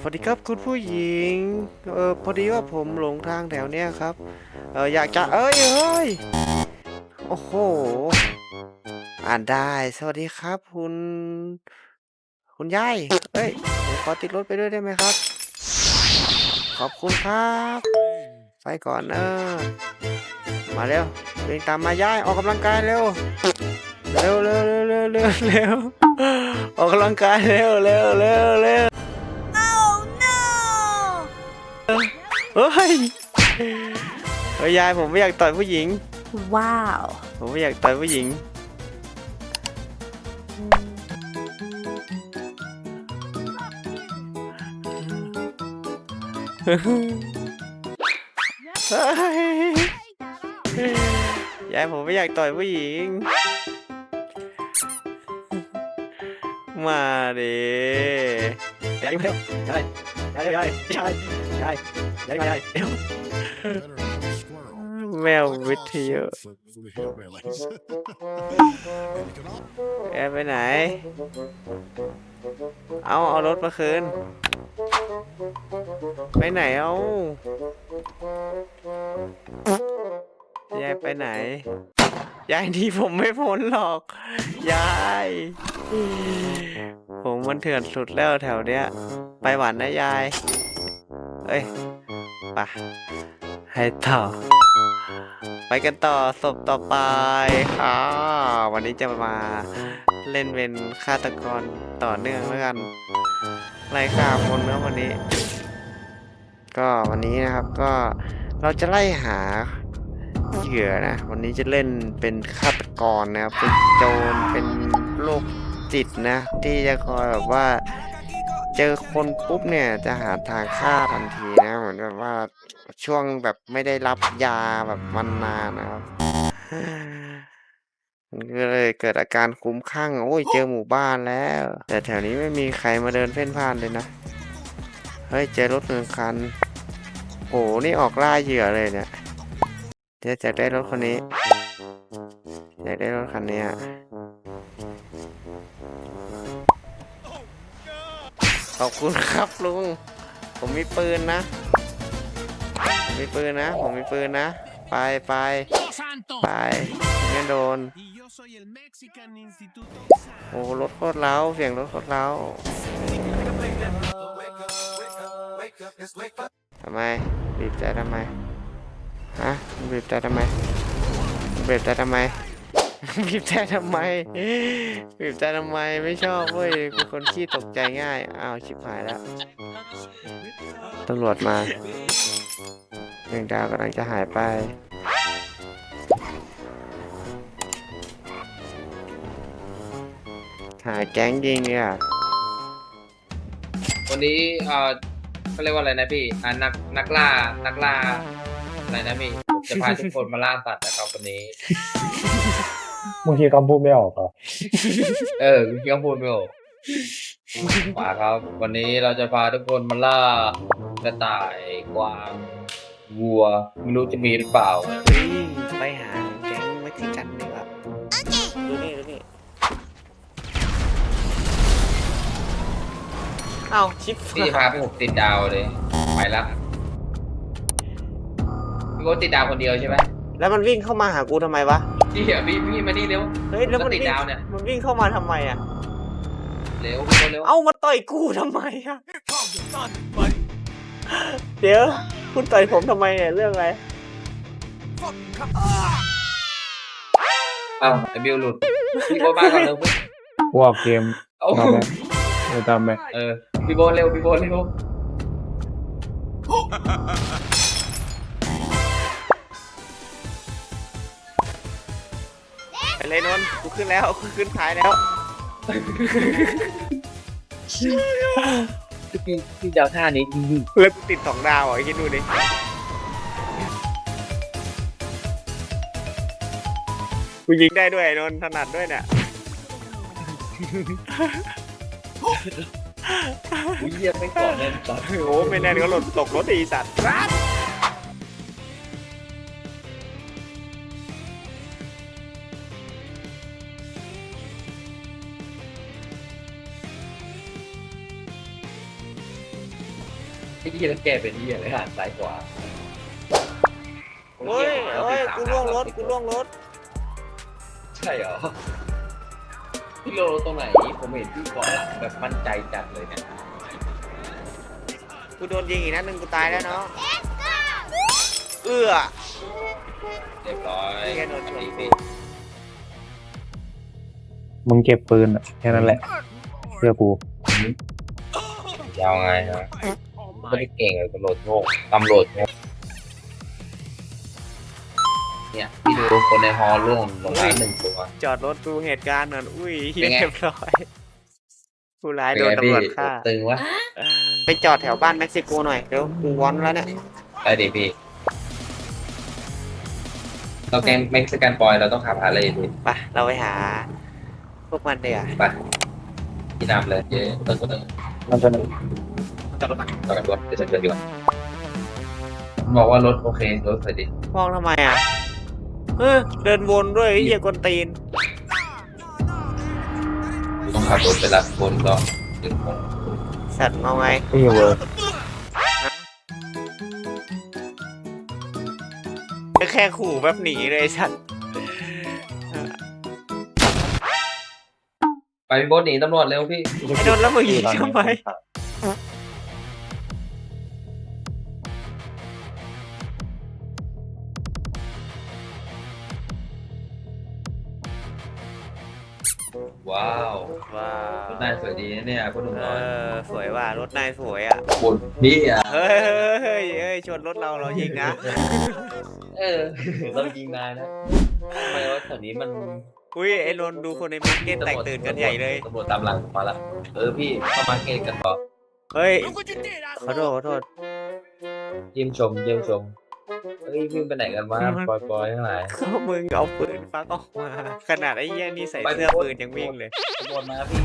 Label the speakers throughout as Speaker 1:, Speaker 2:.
Speaker 1: สวัสดีครับคุณผู้หญิงพอดีว่าผมหลงทางแถวเนี้ยครับอยากจะเอ้ยโอ้โหอ่านได้สวัสดีครับคุณยายผมขอติดรถไปด้วยได้ไหมครับขอบคุณครับไปก่อนมาเร็วเดินตามมายายออกกำลังกายเร็วเร็วออกกำลังกายเร็วเฮ้ยยายผมไม่อยากต่อยผู้หญิง
Speaker 2: ว้าว
Speaker 1: ผมไม่อยากต่อยผู้หญิงเฮ้ยยายผมไม่อยากต่อยผู้หญิงมาดิยายมาเร็วยายแมววิทยุไปไหนเอารถมาคืนไปไหนยายไปไหนยายที่ผมไม่พ้นหรอกยายผมมันเถื่อนสุดแล้วแถวเนี้ยไปหวานนะยายไปให้ต่อไปกันต่อศพต่อไปวันนี้จะมาเล่นเป็นฆาตกรต่อเนื่องแล้วกันไล่ฆ่าคนนะวันนี้ก็วันนี้นะครับก็เราจะไล่หาเหยื่อนะวันนี้จะเล่นเป็นฆาตกรนะครับเป็นโจรเป็นโรคจิตนะที่จะคอยแบบว่าเจอคนปุ๊บเนี่ยจะหาทางฆ่าทันทีนะเหมือนแบบว่าช่วงแบบไม่ได้รับยาแบบมันนานนะครับมันก็เลยเกิดอาการคลุ้มคลั่งโอ้ยเจอหมู่บ้านแล้วแต่แถวนี้ไม่มีใครมาเดินเพ่นพ่านเลยนะเฮ้ยเจอรถ1 คันโอ้นี่ออกล่าเหยื่อเลยเนี่ยจะได้รถคนนี้อยากได้รถคันนี้ขอบคุณครับลุงผมมีปืนนะผมมีปืนนะไปงั้นโดนโอ้รถโคตรเล้าเสียงรถโคตรเล้าทำไมบีบแต่ทำไมฮะบีบแต่ทำไมบีบแต่ทำไมบีบแต่ทำไมบีบแต่ทำไมไม่ชอบเว้ยเป็นคนขี้ตกใจง่ายอ้าวชิบหายแล้วตำรวจมา1 ดาวกำลังจะหายไปหาแก๊งยิงเนี่ย
Speaker 3: วันนี้เขาเรียกว่าอะไรนะพี่นักล่าอะไรนะพี่ผมจะพาทุกคนมาล่าสัตว์นะครับวันนี้
Speaker 4: บางทีคำพูดไม่ออกอ่ะ
Speaker 3: ยังพูดไม่ออกมาครับ วันนี้เราจะพาทุกคนมาล่ากระต่ายกวางวัวไม่รู้จะมีหรือเปล่า
Speaker 1: ไปหาแก๊งเม็กซิกันดีกว่าดูนี่ชิป
Speaker 3: พี่พาไปผมติดดาวเลยไปแล้วพี่โก้ติดดาวคนเดียวใช่ไหม
Speaker 1: แล้วมันวิ่งเข้ามาหากูทำไมวะ
Speaker 3: พี่มานี่เร็ว
Speaker 1: เฮ้ยแล้วมัน
Speaker 3: ติดดาวเนี่ย
Speaker 1: มันวิ่งเข้ามาทำไมอ่ะ
Speaker 3: เร็ว
Speaker 1: มาต่อยกูทำไมอ่ะเดี๋ยวคุณต่อยผมทำไมเนี่ยเรื่องอะไร
Speaker 3: ไอบิวหลุดพี่โก้มาก่อนเร็ว
Speaker 4: ว่าเกม
Speaker 3: เอา
Speaker 4: ทำไหมทำไหม
Speaker 3: พี่โก้เร็ว
Speaker 1: ไปเลยนนท์กูขึ้นแล้วกูขึ้นท้ายแล้ว
Speaker 3: พี่ดาวท่านี้จริง
Speaker 1: แล้วกูติด2 ดาวอ่ะคิดดูดิกูยิงได้ด้วยนนท์ถนัดด้วยเนี่ย
Speaker 3: เยี่ยมไม่ก่อนเลยสัตว์
Speaker 1: โอ้ไม่แน่นก็หล่นตกรถอีสัตว์
Speaker 3: ไอ้ที่แล้วแกเป็นที่อะไรหันซ้ายขวา
Speaker 1: โอ้ยกูล่วงรถ
Speaker 3: ใช่เหรอพี่โลตรงไหนผมเห็นพี่ก่อนหลังแบบมั่นใจจัดเลยเนี่ย
Speaker 1: กูโดนยิงอีกนัดหนึ่งกูตายแล้วเนาะเอื้อ
Speaker 3: เรียบร้อย
Speaker 1: แกโดนชน
Speaker 3: พี่
Speaker 4: มึงเก็บปืนอะแค่นั้นแหละเพื่อกู
Speaker 3: ยาวไงนะไม่ได้เก่งเลยตำรวจโง่เนี่ยพี่ดูคนในฮอลล่วงลงมา1 ตัว
Speaker 1: จอดรถดูเหตุการณ์หน่อยอุ้ย
Speaker 3: เป็นไง
Speaker 1: เรียบร้อยผู้ร้ายโดนตำรวจฆ่า
Speaker 3: ตึงวะ
Speaker 1: ไปจอดแถวบ้านเม็กซิโกหน่อยเดี๋ยวกูวอนแล้วเนี่ย
Speaker 3: ได้ดิพี่เราแกงเม็กซิกันบอยเราต้องขับฮาร์เลย์ดิ
Speaker 1: ไปเราไปหา พวกมันเดี๋ยว
Speaker 3: ไปพี่นำเลยเจ๊เติมก็เติม
Speaker 4: มันจะหนึ่ง
Speaker 3: จอดรถก่อนจอดกันรถเดี๋ยวฉันเดินดีกว่าบอกว่ารถโอเครถสวยดี
Speaker 1: มองทำไมอ่ะเดินวนด้วยไอ้เหี้ยกวนตีน
Speaker 3: ต้องขับรถไปรับบนก็ถึงโมง
Speaker 1: สัตว์เอาไง
Speaker 4: ที่เวิร์ก
Speaker 1: แค่ขู่แบบหนีเลยไอ้สัตว์
Speaker 3: ไปพี่โบ๊ทหนีตำรวจเร็วพี่
Speaker 1: ไอ้โดนแล้วมึงยิงทำไม
Speaker 3: ว้าว
Speaker 1: ว้าว
Speaker 3: รถนายสวยดีนะเนี่ยพ่อหนุ่มน้อย
Speaker 1: สวยว่ะรถนายสวยอ่ะ
Speaker 3: บนพี่อ่ะ
Speaker 1: เฮ้ยชนรถเรายิงนะ
Speaker 3: เรายิงนายนะทำไมว่าแถวนี้มัน
Speaker 1: อุ้ยไอ้นนท์ดูคนในมาร์เก็ตแตกตื่นกันใหญ่เลย
Speaker 3: ตำรวจตามหลังมาละพี่เข้ามาเกตกันต่อ
Speaker 1: เฮ้ยขอโทษ
Speaker 3: เยี่ยมชมเฮ้ยพี่ไปไหนกันวะปอยทั้งหลาย
Speaker 1: ก็มึงเอาปืนฟักออกมา ขนาดไอ้เหี้ยนี่ใส่เสื้อปืนยังวิ่งเลย
Speaker 3: ตำรวจมาพี่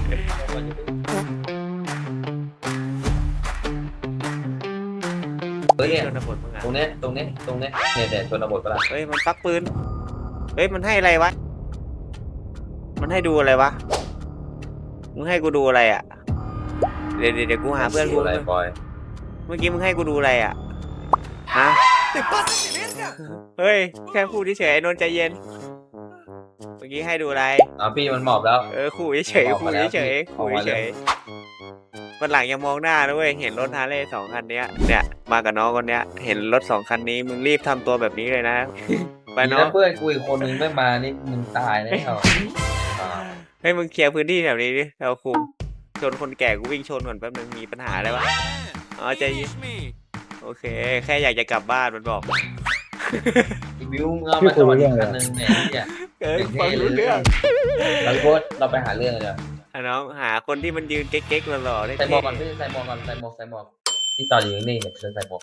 Speaker 3: เฮ้ยเนี่ย
Speaker 1: ชนบทมึงอ่ะ
Speaker 3: ตรงเนี้ยเนี่ยชนบทปะล่ะ
Speaker 1: เฮ้ยมันฟักปืนเฮ้ยมันให้อะไรวะมันให้ดูอะไรวะมึงให้กูดูอะไรอ่ะเดี๋ยวกูหาเพื่อนกู
Speaker 3: อะไรปอย
Speaker 1: เมื่อกี้มึงให้กูดูอะไรอ่ะฮะเฮ้ยแค่พูดเฉยๆไอ้นนท์ใจเย็นเมื่อกี้ให้ดูอะไร
Speaker 3: พี่มันหมอบแล้ว
Speaker 1: ขู่เฉยๆขู่เฉยๆขู่เฉยๆวันหลังอย่ามองหน้านะเว้ยเห็นรถฮาร์เลย์2 คันเนี้ยเนี่ยมากับน้องคนเนี้ยเห็นรถ2 คันนี้มึงรีบทำตัวแบบนี้เลยนะไปน้อง
Speaker 3: เพื่อนกูอีกคนนึงไม่มานี่มึงตายแน่เหรอ
Speaker 1: ให้มึงเคลียร์พื้นที่แถวนี้ดิเราคุมชนคนแก่กูวิ่งชนก่อนแป๊บนึงมีปัญหาอะไรวะอ๋อใจเย็นโอเค แค่อยากจะกลับบ้านมันบอก
Speaker 3: อีวิวมึงเอามาจอดอีกคันนึงเนี่ย
Speaker 1: ฟังรู้เรื่อง
Speaker 3: เราโพสเราไปหาเรื่องกันเดี๋ยว
Speaker 1: น้องหาคนที่มันยืนเก๊กๆหล่อๆได้
Speaker 3: ใส่หมวกก่อนพี่ใส่หมวกที่จอดอยู่นี่เนี่ยใส่หมวก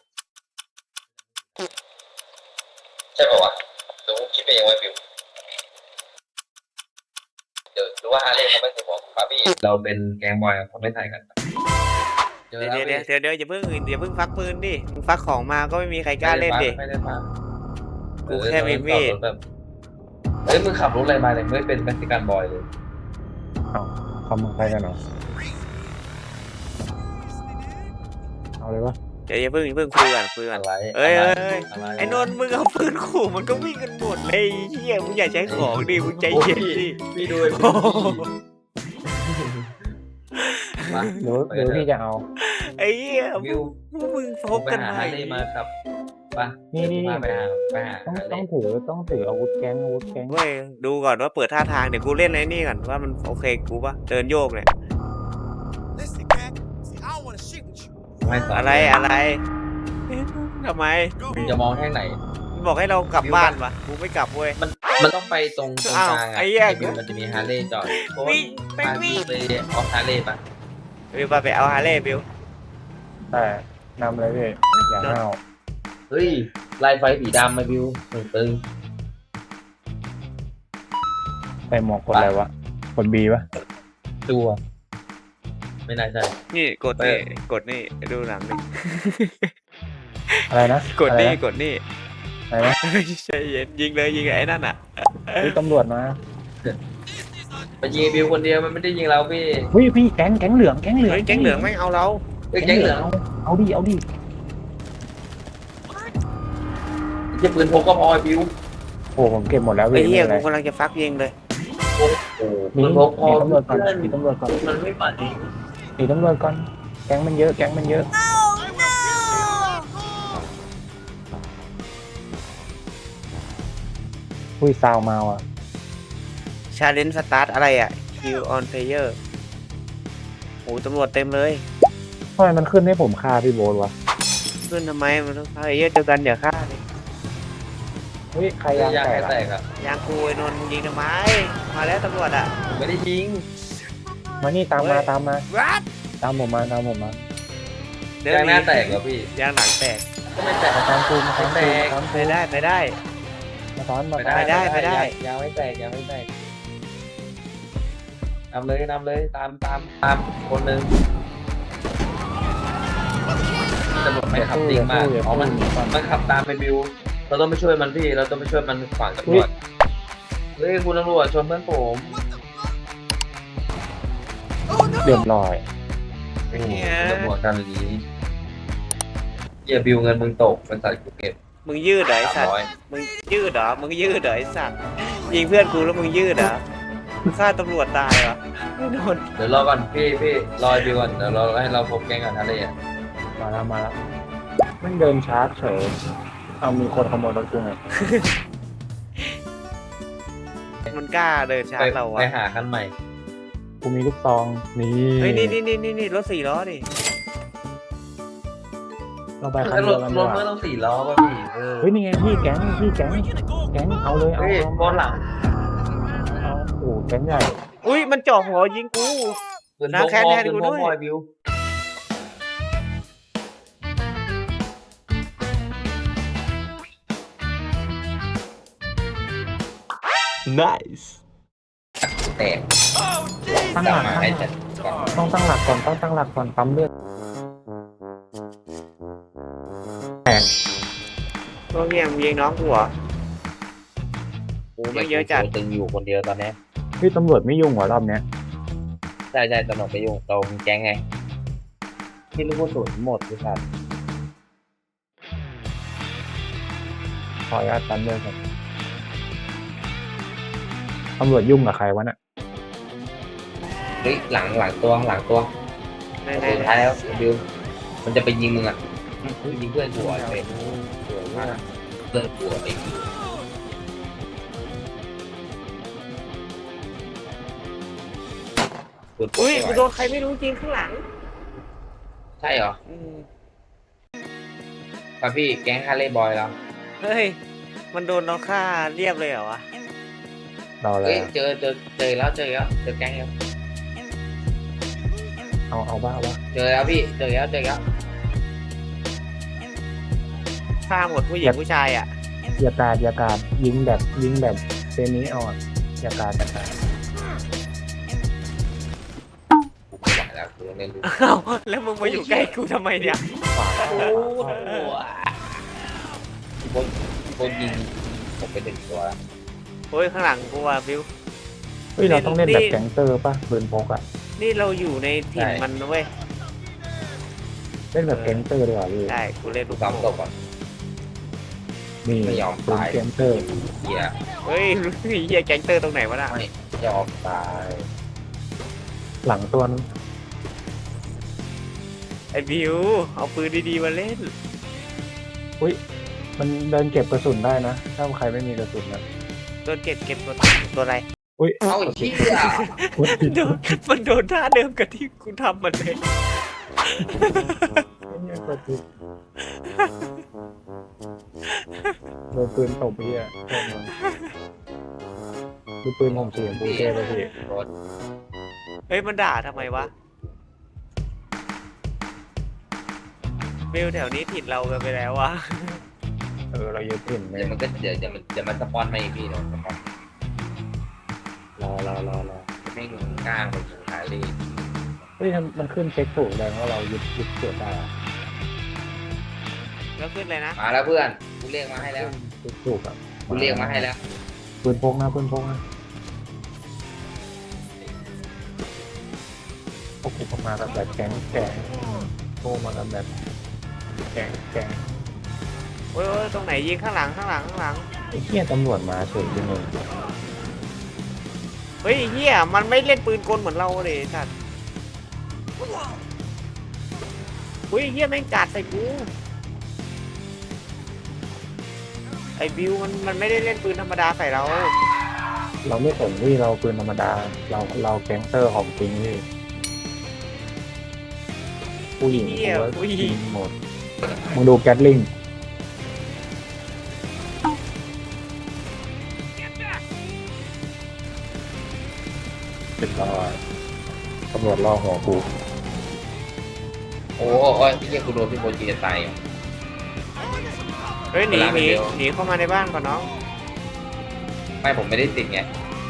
Speaker 3: ใช่ป่าวะเดี๋ยวคิดไปเองไว้วิวเดี๋ยวดูว่าฮาร์เลย์เขาไม่ใส่หมวกป่ะพี่เราเป็นแก๊งบอยเขาไม่ใส่กันเดี๋ยว
Speaker 1: อย่าเพิ่งฟักปืนดิมึงฟักของมาก็ไม่มีใครกล้าเล่นดิ
Speaker 3: ไม่ได้ฟัง
Speaker 1: กูแค่มีมีด
Speaker 3: เฮ้ยมึงขับรถอะไรมาเนี่ยไม่เป็นเม็กซิกันบอยเลย
Speaker 4: เขามาใครกันเหรอเอาเลยวะ
Speaker 1: เดี๋ยวอย่าเพิ่งคุยก่อน
Speaker 3: อะไร
Speaker 1: เอ้ย
Speaker 3: อะไร
Speaker 1: ไอ้นนท์มึงเอาปืนขู่มันก็วิ่งกันหมดเลยเฮียมึงอย่าใช้ของดิมึงใจเย็นดิ
Speaker 3: พี่ดู
Speaker 4: เดี๋ยวพี่จะเอา
Speaker 1: ไอ้เหี้ย
Speaker 3: วิว
Speaker 1: มึงโฟกกัน
Speaker 3: ไป
Speaker 1: ไห
Speaker 3: หาฮาร์เลย์มาครับไป
Speaker 4: นี่
Speaker 3: ไปหา
Speaker 4: ต้องถืออาวุธแก๊ง
Speaker 1: เว้ยดูก่อนว่าเปิดท่าทางเดี๋ยวกูเล่นไอ้นี่ก่อนว่ามันโอเคกูปะเดินโยกเนี่ย
Speaker 2: Listen, man. See, I don't want to shit with you.
Speaker 3: ไม่สอน
Speaker 1: อะไรทำไม
Speaker 3: มึงจะมองแค่ไหน
Speaker 1: มันบอกให้เรากลับบ้านปะกูไม่กลับเว้ย
Speaker 3: มันต้องไปตรงกลางอ่ะ
Speaker 1: ไอ้เหี้ย
Speaker 3: วิวมันจะมีฮาร์เลย์จอดเพราะว่า
Speaker 1: วิ่งไป
Speaker 3: พา
Speaker 1: วิ่ง
Speaker 3: ไปออกฮาร์เลย์ปะ
Speaker 1: บิวไปเอาฮาร์เลย์บิว
Speaker 4: แต่นำเลยพี่อย่าห้าว
Speaker 3: เฮ้ยลายไฟสีดำมาวิวตึง
Speaker 4: ใส่หมวกกดอะไรวะกดบีปะ
Speaker 3: ตัว ไม่น่าใช่
Speaker 1: นี่กดนี่ดูหนังนี่
Speaker 4: อะไรนะ
Speaker 1: กดนี่
Speaker 4: อะไรนะ
Speaker 1: ใจเย็นยิงเลยไอ้นั่นอ่ะ
Speaker 4: พี่ตำรวจมา
Speaker 3: ไปยิงวิวคนเดียวมันไม่ได้ยิงเราพี่
Speaker 4: เฮ้ยพี่แก๊งเหลือง
Speaker 1: เฮ้ยแก๊งเหลืองไม่เอาเรา
Speaker 3: เอ้ยแก๊งเหลือง
Speaker 4: เอาดิ
Speaker 3: จะปืนพกก็พอบิว
Speaker 4: โอ้ผมเก็บหมดแล้ว
Speaker 1: ไอ้
Speaker 4: พี่
Speaker 1: เหี้ย
Speaker 4: ไม่
Speaker 1: กู
Speaker 4: เป็นไร
Speaker 1: กำลังจะฟักยิงเลย
Speaker 3: โอ้โห
Speaker 4: มี
Speaker 3: ปืนพกพอ
Speaker 4: ตำรวจก่อนมีตำรวจก่อน
Speaker 3: มันไม่ปัดอีก
Speaker 4: มีตำรวจก่อนแก๊งมันเยอะแก๊งมันเยอะอุ้ยซาวมาว่ะ
Speaker 1: ชาเลนจ์สตาร์ทอะไรอ่ะ Kill on player โอ้ตำรวจเต็มเลย
Speaker 4: ทำไมมันขึ้นให้ผมฆ่าพี่โบ๊ทวะ
Speaker 1: ขึ้นทำไมมันต้องเพลเยอร์เดียวกันอย่าฆ่าเลย
Speaker 4: เฮ้ยใครยาง
Speaker 3: ยาง
Speaker 4: แต
Speaker 3: แต
Speaker 4: ก
Speaker 3: ก
Speaker 4: อะ
Speaker 3: ครับ
Speaker 1: ยางกูไอ้นนท์มึงยิงทำไม มาแล้วตำรวจอ่ะ
Speaker 3: ผมไม่ได้ยิง
Speaker 4: มานี่ตามมา
Speaker 1: เฮ้ย
Speaker 4: ตามมา
Speaker 1: What?
Speaker 4: ตามผมมาตามผมมา
Speaker 3: ยางหน้าแตกเหรอพี่
Speaker 1: ยางหลังแตก
Speaker 3: ก็ไม่แตก
Speaker 4: มาตามกูมาตาม
Speaker 3: แต
Speaker 4: กู
Speaker 3: ก
Speaker 4: ตาม
Speaker 1: ไป
Speaker 4: กู
Speaker 1: ได้ไปได้
Speaker 4: มาซ้อนมา
Speaker 3: ไป
Speaker 4: ซ้อน
Speaker 3: ได้
Speaker 1: ไปได้
Speaker 3: ยางไม่แตกยางไม่แตกนำเลยตามคนหนึ่งตำรวจไม่ขับจริงมากอ๋อมันขับตามไปบิวเราต้องไปช่วยมันพี่เราต้องไปช่วยมันฝั่งตำรวจเฮ้ยคุณตำรวจชนเพื่อนผม
Speaker 4: เรียบร้อย
Speaker 3: โอ้โหตำรวจกันอย่างนี้อย่าบิวเงินมึงตกเป็นสัตว์กูเก็บ
Speaker 1: มึงยืดเหรอไอ้สัตว์
Speaker 3: 300
Speaker 1: มึงยืดเหรอ มึงยืดเหรอไอ้สัตว์ ยิงเพื่อนกูแล้วมึงยืดเหรอมึงฆ่าตำรวจตายเหรอไม่โดน
Speaker 3: เดี๋ยวรอก่อนพี่รอบิวก่อนเดี๋ยวเราให้เราพบแก๊งก่อนอะไรอ่ะ
Speaker 4: มาแล้วมาแล้วมันเดินชาร์จเฉยเอามีคนขโมยรถกูไง
Speaker 1: มันกล้าเดินชาร์จเรา
Speaker 3: ไป
Speaker 1: วะ
Speaker 3: หาคันใหม่
Speaker 4: กูมีลูกซองนี่
Speaker 1: เฮ้ยนี่รถ4 ล้อดิ
Speaker 4: เราไปคัน
Speaker 3: ร
Speaker 4: เดีย
Speaker 3: ถ
Speaker 4: วกัน
Speaker 3: ร
Speaker 4: ดี
Speaker 3: ถ
Speaker 4: ก
Speaker 3: ไม่
Speaker 4: ว่า
Speaker 3: ต้อง4 ล้อป่ะพี่
Speaker 4: เฮ้ยนี่ไงพี่แก๊งแก๊งเอาเลยเอา
Speaker 3: เฮ้ย
Speaker 4: เอา
Speaker 3: บอลหลัง
Speaker 4: เอาโอ้แก๊งใหญ่
Speaker 1: อุ้ยมันจ่อหัวยิงกู
Speaker 3: ปืน
Speaker 1: นะ
Speaker 3: พก
Speaker 1: แค้น
Speaker 3: พอ
Speaker 1: แทน
Speaker 3: ปืน
Speaker 1: กู
Speaker 3: พ
Speaker 1: ด้
Speaker 3: ก
Speaker 1: วย
Speaker 3: พอบิว
Speaker 1: nice
Speaker 3: แตก
Speaker 4: ตั้ง
Speaker 3: ก
Speaker 4: ห
Speaker 3: ลับ
Speaker 4: ลัก
Speaker 3: มาให้จัดก่อน
Speaker 4: ต้องตั้งหลักก่อนต้องตั้งหลักก่อนปั๊มเลือดแตก
Speaker 1: ก็เฮียมึงยิงน้องกูเหรอโอ้ไม่เยอะจัด
Speaker 3: ตึงอยู่คนเดียวตอนนี้
Speaker 4: พี่ตำรวจไม่ยุ่งเหรอรอบเนี้ย
Speaker 3: ใช่ตำรวจไปยุ่งเราแก๊งไงที่ลูกกระสุนหมดพี่ครับ
Speaker 4: ขออนุญาตปั๊มเลือดก่อนตำรวจยุ่งกับใครวะน่ะ
Speaker 3: เฮ้ยหลังตัว
Speaker 1: ไหน
Speaker 3: สุดท้ายแล้วบิวมันจะไปยิงมึงอ่ะยิงเพื่อนกูอ่ะเลยสวยมากเพื่อนกูอ่ะไอ้บิวปืนพก
Speaker 1: อุ้ย
Speaker 3: ไม่ไหว
Speaker 1: กูโดนใครไม่รู้จริงข้างหลัง
Speaker 3: ใช่เหรอ
Speaker 1: อืม
Speaker 3: ป่ะพี่แก๊งฮาร์เลย์บอยแล้ว
Speaker 1: เฮ้ย มันโดนน้องฆ่าเรียบเลยเหรอวะ
Speaker 4: รอเล
Speaker 3: เฮ้
Speaker 4: ย
Speaker 3: ยเจอแล้วเจอแก๊งแล้ว
Speaker 4: เอาบ้าวะ
Speaker 3: เจอแล้วพี่เจอแล้ว
Speaker 1: ฆ่าหมดผู้หญิงผู้ชายอ่ะ
Speaker 4: อย่ากาดยิงแบบเซนี้เอาอะอย่ากาด
Speaker 3: กูไม่ไหวแล้วกูเล่นลูก
Speaker 1: อ้าวแล้วมึงมาอยู่ใกล้กูทำไมเนี่ย
Speaker 4: ขวา
Speaker 3: โอ้โหบนยิงผมไป1 ตัวแล้ว
Speaker 1: โอ้ยข้างหลังกูอ่ะบิว
Speaker 4: เฮ้ยเราต้องเล่นแบบแก๊งเตอร์ป่ะปืนพกอะ
Speaker 1: นี่เราอยู่ในถิ่นมันนะเว้ย
Speaker 4: เล่นแบบแก๊งเตอร์ดีกว่าพี่
Speaker 1: ได้กูเล่น
Speaker 3: ลู
Speaker 1: ลู
Speaker 3: ก
Speaker 1: ก
Speaker 3: ซ้ำตกก่อน
Speaker 4: นี่
Speaker 3: ไม่ยอม
Speaker 4: ปืน
Speaker 3: ตาย
Speaker 4: แก๊งเตอร์
Speaker 3: เหี้ย
Speaker 1: เฮ้ยเฮียแก๊งเตอร์ตรงไหนวะน่ะ
Speaker 3: ไม่ยอมตาย
Speaker 4: หลังตัวนั้น
Speaker 1: ไอ้บิวเอาปืนดีๆมาเล่น
Speaker 4: มันเดินเก็บกระสุนได้นะ ถ้าใครไม่มีกระสุนนะ
Speaker 1: โดนเก็บตัวอะไร
Speaker 4: อุ้ย
Speaker 3: เอ้าไอ้เหี้ย
Speaker 4: พูดผิด
Speaker 1: โดนมันโดนท่าเดิมกับที่กูทำมันเลย
Speaker 4: เนี่ยกดผิดโดนปืนตบพี่อะโทษนะดูปืนผมเสียงปูเก้ไปพี่
Speaker 3: รถ
Speaker 1: เฮ้ยมันด่าทำไมวะบิวแถวนี้ถิ่นเรากันไปแล้ววะ
Speaker 4: เรายึดถิ่นไหม
Speaker 3: เดี๋ยวมันก็เดี๋ยวมันสปอนมาอีกพี่เดี๋ยวสปอน
Speaker 4: รอ
Speaker 3: ไม่งกล้างไปถึงท้ายเลย
Speaker 4: เฮ้ยมันขึ้นเช็คถูกแดงว่าเรายึดเกิดได้อะ
Speaker 1: แล้วขึ้นเลยนะ
Speaker 3: มาแล้วเพื่อนกูเรียกมาให้แล้ว
Speaker 4: เช็คถูกอะ
Speaker 3: กูเรียกมาให้แล้ว
Speaker 4: ปืนพกนะพวกกูมาแบบแก๊งโทรมากันแบบแก๊ง
Speaker 1: โอ้ยโอ้ยตรงไหนยิงข้างหลังข้างหลังข้างหลัง
Speaker 4: ไอ้เหี้ยตำรวจมาเฉยยังไง
Speaker 1: เฮ้ยเฮียมันไม่เล่นปืนกลเหมือนเราเลยสัตว์เฮ้ยเฮียแม่งกาดใส่กูไอ้บิวมันไม่ได้เล่นปืนธรรมดาใส่เรา
Speaker 4: เราไม่สนที่เราปืนธรรมดาเราแก๊งเตอร์ของจริงพี่ผู้หญิง
Speaker 1: เฮีย
Speaker 4: กูว่า
Speaker 1: ผู้หญิง
Speaker 4: หมดมึงดูแกตลิงเป็นรอยตำรวจล่อหัวกู
Speaker 3: โอ้โอ้ยพี่เกียกูโดนพี่โบจีจะตายอ่ะ
Speaker 1: เฮ้ยหนี
Speaker 3: เวลา
Speaker 1: ห
Speaker 3: ไป
Speaker 1: นี
Speaker 3: เร็ว
Speaker 1: หนีเข้ามาในบ้านก่อนน้อง
Speaker 3: ไม่ผมไม่ได้ติดไง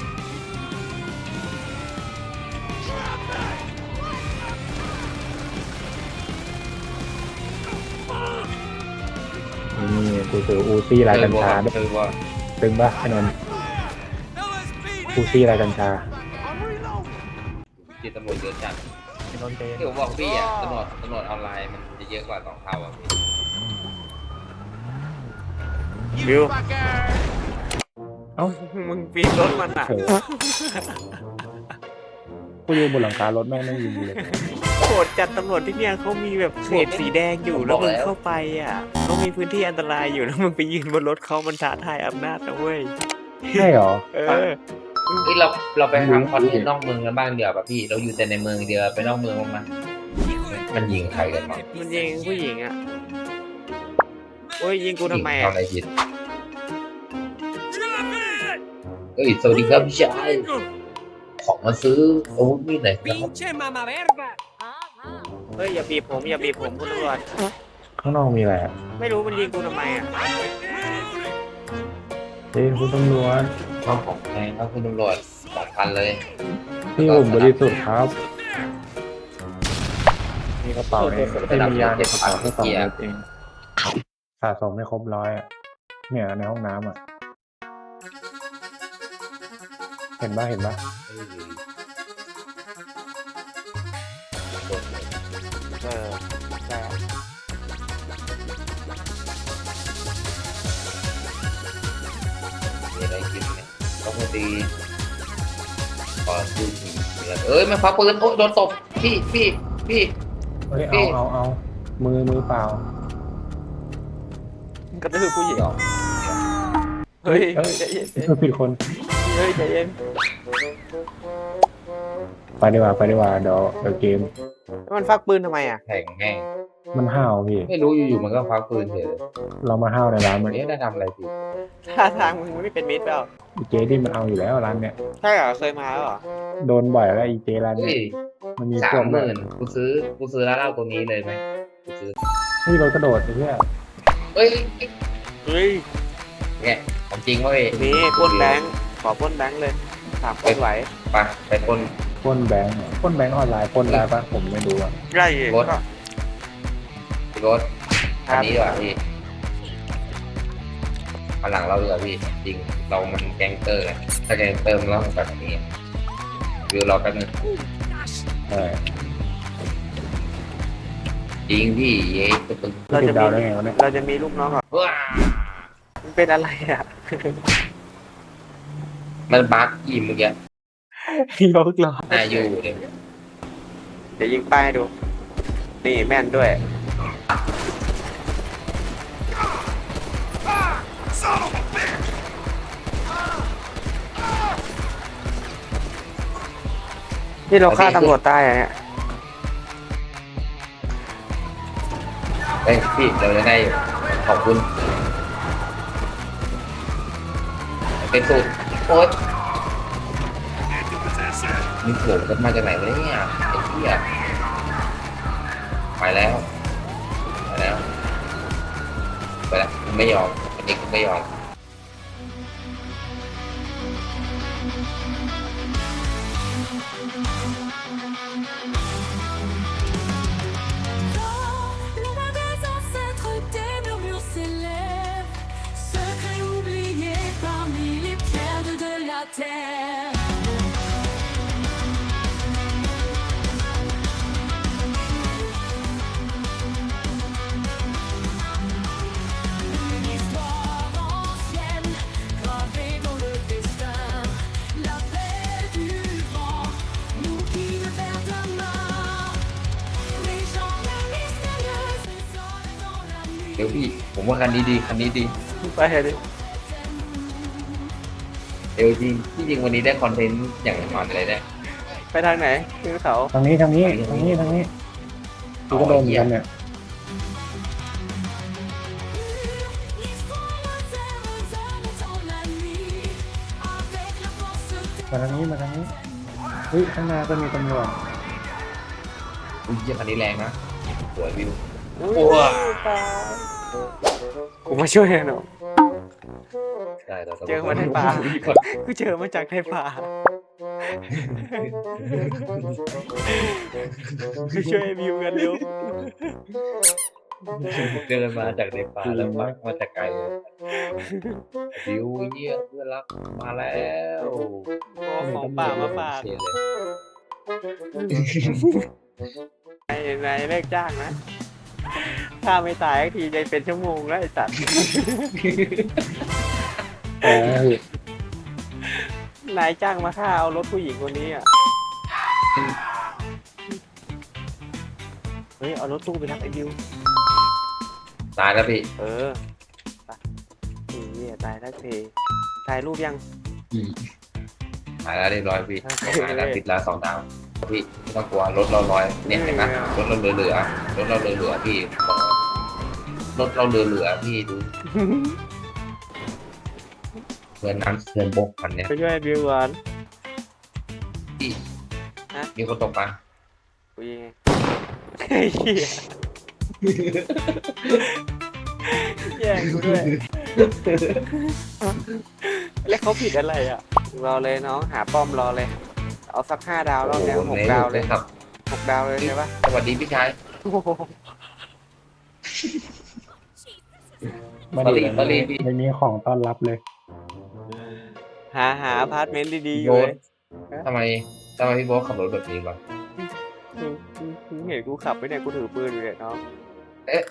Speaker 4: นี่กูซื้ออูซี่ลายกัญชาด้วย
Speaker 3: คือว่า
Speaker 4: ตึงปะไอ้นนท์
Speaker 2: LSPD.
Speaker 4: อูซี่ลายกัญชา
Speaker 2: I'm reloading.
Speaker 3: จีตำรวจเยอะจัง
Speaker 4: ไอ้นนท์เจ
Speaker 3: ที่ผมบอกพี่อ่ะตำรวจออนไลน์มันจะเยอะกว่า2 เท่าอ่ะพี่
Speaker 1: บิว
Speaker 4: เอ้า
Speaker 1: มึงปีนรถมันอ่ะ
Speaker 4: เฉยกูอยู่บนหลังคารถแม่งไม่ยิงเลย
Speaker 1: โหดจัดตำรวจที่เนี่ยเขามีแบบเขตสีแดงอยู่แล้วมึงเข้าไปอ่ะเขามีพื้นที่อันตรายอยู่แล้วมึงไปยืนบนรถเขามันท้าทายอำนาจนะเว้ย
Speaker 4: ใช่เหรอ
Speaker 1: เออ
Speaker 3: เฮ้ยเราไปทำคอนเทนต์นอกเมืองกันบ้างเดี๋ยวป่ะพี่เราอยู่แต่ในเมืองเดียวไปนอกเมืองบ้างมั้ยมันยิงใครกันบ้าง
Speaker 1: มันยิงผู้หญิงอ่ะโอ้ยยิงกูทำไม
Speaker 3: ยิง
Speaker 1: อ่ะ
Speaker 3: ทำอะไรผิดเฮ้ยสวัสดีครับพี่ชายของมาซื้ออาวุธมีดหน่อยครับ
Speaker 2: Pinche mamá verga.
Speaker 1: เฮ้ยอย่าบีบผมอย่าบีบผมคุณตำรวจ
Speaker 4: ข้างนอกมีอะไรอะ
Speaker 1: ไม่รู้มันยิงกูทำไมอ่ะ
Speaker 4: เฮ้ยคุณตำรวจ
Speaker 3: ข้าวของแพงครับคุณตำรวจ2,000เลย
Speaker 4: พี่ผมบริสุทธิ์ครับ มีกระเป๋าเองไม่มียาในกระเป๋าแค่2 เม็ดเองสะสมไม่ครบ100อ่ะเนี่ยในห้องน้ำอ่ะ เห็นปะเห็นปะ
Speaker 1: เออใช่
Speaker 3: มีอะไรกินไหมต้องมาตีขอดูหินเอ้ยมันควักปืนโอ้โดนตบพี่
Speaker 4: เฮ้ยเอามือเปล่าก
Speaker 1: ระตือผู้หญิงเฮ้ย
Speaker 4: เฮ้ย
Speaker 1: ใจเย็น
Speaker 4: ผิดคน
Speaker 1: เฮ้ยใจเย็น
Speaker 4: ไปดีกว่าเดี๋ยวเกม
Speaker 1: มันฟักปืนทำไมอ่ะ
Speaker 3: แข่งแห้ง
Speaker 4: มันห้าวพี่
Speaker 3: ไม่รู้อยู่ๆมันก็ควักปืนเฉยเลย
Speaker 4: เรามาห้าวในร้าน
Speaker 3: วั
Speaker 4: มัน น
Speaker 3: นี้ได้ทำอะไรผิด
Speaker 1: ท่าทางมึงไม่เป็นมิตรเปล่า
Speaker 4: อีเจที่มันเอาอยู่แล้วร้านเนี้ย
Speaker 1: ใช่เหรอเคยมาแล้วเหรอ
Speaker 4: โดนบ่อยแล้วอีเจร้าน
Speaker 3: เฮ้
Speaker 4: เนี้
Speaker 3: ย
Speaker 4: ยมันมี
Speaker 3: สา
Speaker 4: พว
Speaker 3: ม
Speaker 4: ก
Speaker 3: หมื่นกูซื้อร้านเหล้าตัวนี้เลยไหมกูซื้อ
Speaker 4: นี่เรากระโดดไอ้เหี้ย
Speaker 3: เฮ้ย
Speaker 1: เฮ้ย
Speaker 3: เนี่ยของจริงเว้ย
Speaker 1: นี่ปล้นแบงค์ขอปล้นแบงค์เลยถามคนไหว
Speaker 3: ไปคน
Speaker 4: ปล้นแบงค์ปล้นแบงค์ออนไลน์ปล้นได้ปะผมไม่รู้อ่ะ
Speaker 1: ไล่
Speaker 3: รถรถอันนี้ดีกว่าพี่พลังเราดีกว่าพี่จริงเรามันแก๊งเตอร์ไงถ้าแก๊งเตอร์มันต้องแบบนี้วิวเราแป๊บนึง
Speaker 4: ใช่
Speaker 3: จริงพี่เย้ตึ๊ด
Speaker 1: เรา
Speaker 4: ติ
Speaker 1: จะ
Speaker 4: ดดาว
Speaker 1: มี
Speaker 4: ได้ไงวะเนี่ย
Speaker 1: เราจะมีลูกน้องเหรอ
Speaker 3: ว้า
Speaker 1: มันเป็นอะไรอ่ะ
Speaker 3: มันบั๊กอีเมื่อกี้
Speaker 1: ยกล้อ
Speaker 3: น่าอยู่เลย
Speaker 1: เดี๋ยวยิงป้ายให้ดู นี่แม่นด้วย
Speaker 2: Son of a bitch.
Speaker 1: นี่เราฆ่าตำรวจตายอ่ะเนี่ย
Speaker 3: เฮ้ยพี่เราจะได้ขอบคุณเป็นสูตรโอ๊ย
Speaker 2: Into possession.
Speaker 3: มีโผล่กันมาจากไหนวะเนี่ยไอ้เหี้ยไปแล้วไม่ยอมอันนี้กูไม่ยอม
Speaker 5: Le bas des ancêtres, des murmures s'élèvent, secrets oubliés parmi les pierres de la terre.
Speaker 3: เดี๋ยวพี่ผมว่าคันนี้ดีคันนี้ดี
Speaker 1: ไปดิ
Speaker 3: เดี๋ยวจริงที่จริงวันนี้ได้คอนเทนต์อย่างแน่นอนเลยได้
Speaker 1: ไปทางไหนขึ้นเขา
Speaker 4: ทางนี้ทางนี้ทางนี้ทางนี้กูก็โดนเหมือนกันเนี่ย มาทางนี้มาทางนี้เฮ้ยข้างหน้าก็มีตำรวจ
Speaker 3: อุ้ยเหี้ยคันนี้แรงนะสวยวิว
Speaker 1: กูมาช่วยหน่อย
Speaker 3: ได้เรา
Speaker 1: เจอมาในป่า กูเจอมาจากในป่ากูช่วยวิวกันเร็ว
Speaker 3: เดินมาจากในป่าแล้วมาจากไกลเลยวิวเยี่ยเพื่อนรักมาแล้ว
Speaker 1: เอาของป่ามาฝาก
Speaker 3: เชนเลย
Speaker 1: นายเลิกจ้างนะถ้าไม่ตายสักทีจะเป็นชั่วโมงแล้วไอ้สัตว์
Speaker 4: เออน
Speaker 1: ายจ้างมาฆ่าเอารถผู้หญิงคนนี้อ่ะเฮ้ยเอารถตู้ไปรับไอ้วิว
Speaker 3: ตายแล้วพี่
Speaker 1: เออไปนี่ตายแล้วทีถ่ายรูปยัง
Speaker 3: ตายแล้วเรียบร้อยพี่
Speaker 1: โอเค
Speaker 3: ตายแล้วติดแล้ว2 ดาวพี่ไม่ต้องกลัวรถเราลอยเนี่ยเห็นไหมรถเราเหลือรถเราเหลือพี่รถเราเหลือพี่ดูเพื่อนน้ำเพื่อนบกคันเนี้ย
Speaker 1: ไปช่วยวิวก่อน
Speaker 3: พี่
Speaker 1: ฮะ
Speaker 3: มีคนตกปลา
Speaker 1: กูยิงไงไอ้เหี้ยแย่งกูด้วยแล้วเขาผิดอะไรอ่ะรอเลยน้องหาป้อมรอเลย เอาสัก5 ดาวแล้วเนี่ย6 ดาวเลย
Speaker 3: ครับ
Speaker 1: 6 ดาวเลยใช่ปะ
Speaker 3: สวัสดีพี่ชาย
Speaker 1: โอ้โห
Speaker 4: มา
Speaker 3: ป
Speaker 4: ดิ
Speaker 3: รีพี่
Speaker 4: ไม่มีของต้อนรับเลย
Speaker 1: หาอพาร์ตเมนต์ดีๆอยู่
Speaker 3: โบ๊
Speaker 1: เล
Speaker 3: ท
Speaker 1: ย
Speaker 3: ทำไมพี่โบ๊ทขับรถแบบนี้วะ
Speaker 1: มึงเห็นกูขับไปเนี่ยกูถือปืนอยู่เนี่ยน้อง
Speaker 3: เอ๊ะ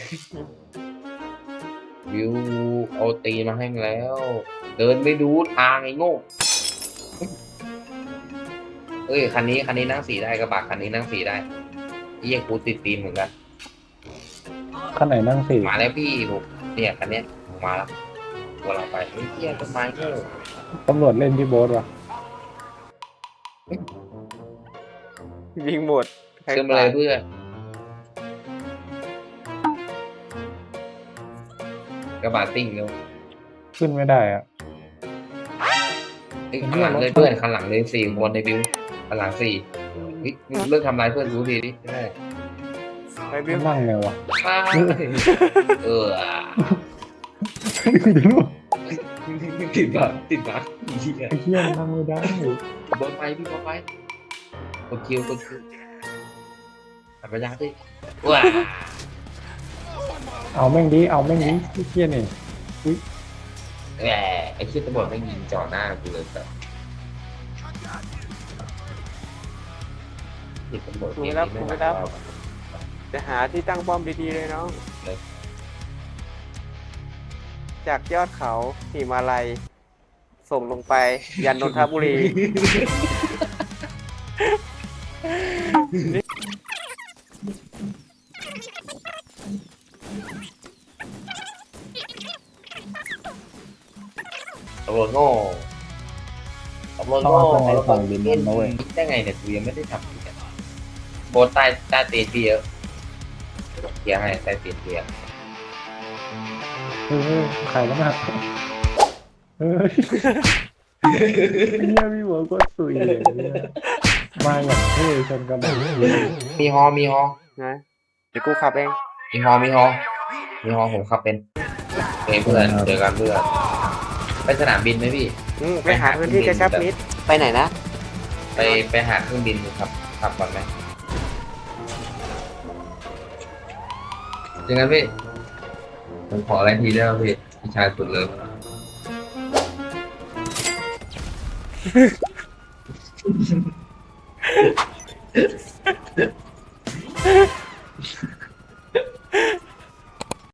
Speaker 3: วิวเอาตีมาให้มึงแล้ว เดินไม่ดูทางไอ้โง่เอ้ยคันนี้นั่งสีได้กระบะคันนี้นั่งสีได้เยี่ยกูติดตีมเหมือนกัน
Speaker 4: ข้างไหนนั่งสี่
Speaker 3: มาแล้วพี่ผมเนี่ยคันเนี้ยมาแล้วตัวเราไปเฮ้ยเยี่ยต้นไม้เงี้ย
Speaker 4: ตำรวจเล่นที่โบ๊ทวะ
Speaker 1: ยิงหมดใคร
Speaker 3: ขึ้นมาเลยเพื่อนกระบะติ้งเร็ว
Speaker 4: ขึ้นไม่ได้อะ
Speaker 3: เฮ้ยข้างหลังเลยเพื่อนข้างหลังเลย4 คนในบิวข้างหลัง4เฮ้ยเลิกทำร้ายเพื่อนกูทีดิได้
Speaker 1: ไปวิว
Speaker 4: นั่งไงวะ
Speaker 3: เออ ติดบักเหี้ย
Speaker 4: ไอ้เหี้ยนั่งไม่ได้
Speaker 3: บนไปพี่บนไปกดคิวหันไปยาสิว้า
Speaker 4: เอาแม่งดิเอาแม่งดิไอ้เหี้ยนี่
Speaker 3: แหมไอ้เชี่ยตำรวจไม่ยิงจ่อหน้ากูเลยแบบติดตำรวจ
Speaker 1: จะหาที่ตั้งป้อมดีๆเลยน้องจากยอดเขาหิมาลัยส่งลงไปยันนนทบุรี
Speaker 3: ตำรวจโง่ตำรวจ
Speaker 4: ต้อง
Speaker 3: โง่
Speaker 4: เอาข้างในฝั่งดินบนนะเว้ย
Speaker 3: ได้ไงเนี่ยกูยังไม่ได้ทำเลยโบนใต้ตีนพี่เยอะเคลียร์ให้ใต้ตีนเคลียร์
Speaker 4: เฮ้ยใครแล้วนะเฮ้ยไอ้เหี้ยพี่หัวก็สุยเลยเนี่ยมาอย่างเท่ชนกระบะ
Speaker 3: มีฮอ
Speaker 1: นะเดี๋ยวกูขับเอง
Speaker 3: มีฮอผมขับเป็นเพื่อนเจอกันเพื่อนไปสนามบินไหมพี่
Speaker 1: ไปหาพื้นที่กระชับมิตรไปไหนนะ
Speaker 3: ไปหาเครื่องบินครับขับก่อนไหมยังไงพี่ผมขออะไรทีได้ไหมพี่ชายสุดเลย